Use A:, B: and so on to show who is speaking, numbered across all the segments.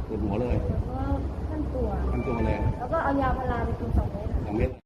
A: ปวดหัวเลย
B: แล้วก็ขั้นตัว
A: เลย
B: แล้วก็เอายาพาราไปกิน2 เม็ด
A: 2 เม็ด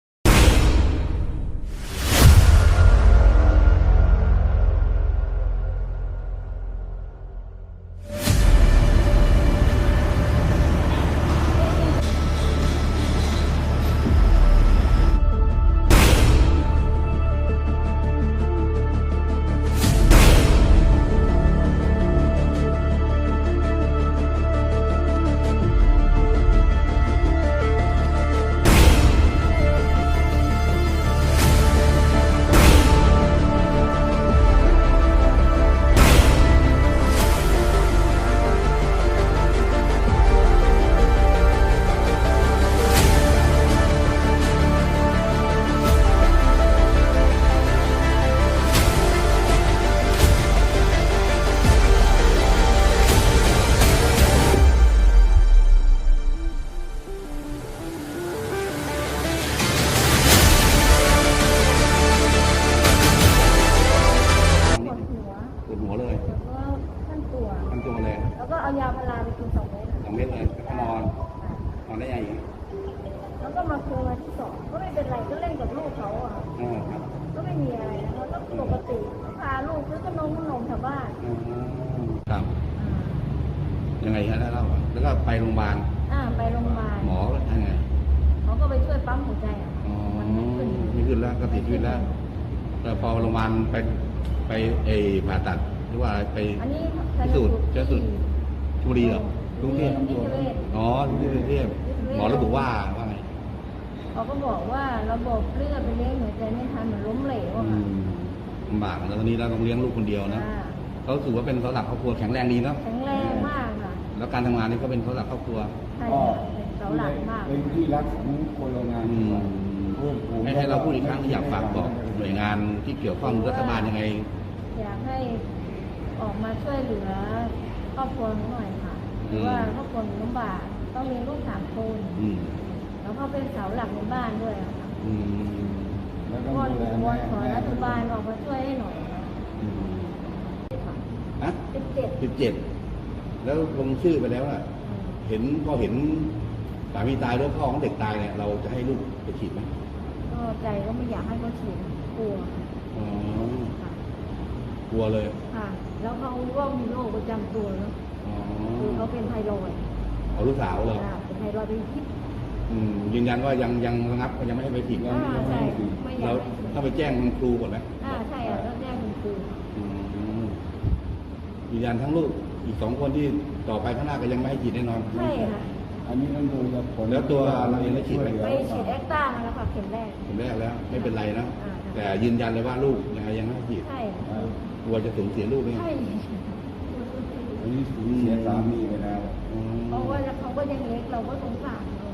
A: ปวดหัวเลย
B: แล้วก็ขั้นตัว
A: เลย
B: แล้วก็เอายาพาราไปกิน2 เม็ด
A: 2 เม็ดเลยแล้วก็นอนได้ยังไง
B: แล้วก็มาคืนวันที่2ก็ไม่เป็นไรก็เล่นกับลูกเขาอะค่ะ
A: ครับ
B: ก็ไม่มีอะไรนะแล้วก็ปกติพาลูกซื้อขนมแถวบ้าน
A: ครับยังไงฮะเล่าแล้วก็ไปโรงพยาบาล
B: ไปโรงพยาบาล
A: หมอยังไง
B: เขาก็ไปช่วยปั๊มหัวใจอ่ะมันไม่ขึ้น
A: แล้วก็ติดชีวิตแล้วแต่พอโรงพยาบาลไปผ่าตัดหรือว่าไป
B: อันนี้
A: พิสูจน์ชลบุรีเหรอ
B: กรุงเทพ
A: อ๋อกรุงเทพหมอระบุว่าไง
B: เขาก็บอกว่าระบบเลือดไปเลี้ยงหัวใจไม่ทันเหมือนล้มเหลวอะค่ะ
A: ลำบากแล้วตอนนี้เราต้องเลี้ยงลูกคนเดียวนะเขาถือว่าเป็นเสาหลักครอบครัวแข็งแรงดีเนาะ
B: แข็งแรงมากค่ะ
A: แล้วการทำงานนี่ก็เป็นเสาหลักครอบครัว
B: ใช่ค่ะเป็นเสาหลักมาก
C: เป็นที่รักของคนโรงงานเพื่อนฝูง
A: ให้เราพูดอีกครั้งที่อยากฝากบอกหน่วยงานที่เกี่ยวข้องรัฐบาลยังไง
B: อยากให้ออกมาช่วยเหลือครอบครัวหน่อยค่ะเพราะว่าครอบครัวลำบากต้องเลี้ยงลูก3 คน แล้วก็เป็นเสาหลักในบ้านด้วยอะค่ะ
C: แล้วก็
B: วอน
C: ดูแล
B: ว
C: แม่
B: อนขอรัฐบาลออกมาช่วยให้หน่อย
A: นะ 17แล้วลงชื่อไปแล้วอ่ะพอเห็นสามีตายด้วยพ่อของเด็กตายเนี่ยเราจะให้ลูกไปฉีดไหม
B: ก็ใจก็ไม่อยากให้เขาฉีดกลัว
A: อ๋อ
B: ค่ะ
A: กลัวเลย
B: ค่ะ แล้วเขาก็มีโรคประจำตัวเนาะ
A: อ๋อ
B: คือเขาเป็นไทรอยด์
A: เอาลูกสาวเลย
B: เป็นไทรอยด์เป็นพิษ
A: ยืนยันว่ายังระงับยังไม่ให้ไปฉีด
B: ใช่ไม่อยา
A: เรา
B: กให้
A: ต้องไปแจ้งคุณครูก่อนไหม
B: ใช่แล้วแจ้งคุณครู
A: ยืนยันทั้งลูกอีก2 คนที่ต่อไปข้างหน้าก็ยังไม่ให้ฉีดแน่นอน
B: ใช่ค่ะ
C: อันนี้ต้องดูกับผล
A: แล้วตัวเราเองได้ฉีดไหม
B: ไปฉีดแอคต้ามาแล้วค่ะเข็มแรก
A: ผมแรกแล้วไม่เป็นไรนะแต่ยืนยันเลยว่าลูกยังไงยังไม่ให้ฉีด
B: ใช่
A: กลัวจะสูญเสียลูกเนี่ย
B: ใช่
C: อันนี้สูญเสียสามีไปแล้ว
B: เพราะว่าเขาก็ยังเล็กเราก็สงสารเนาะ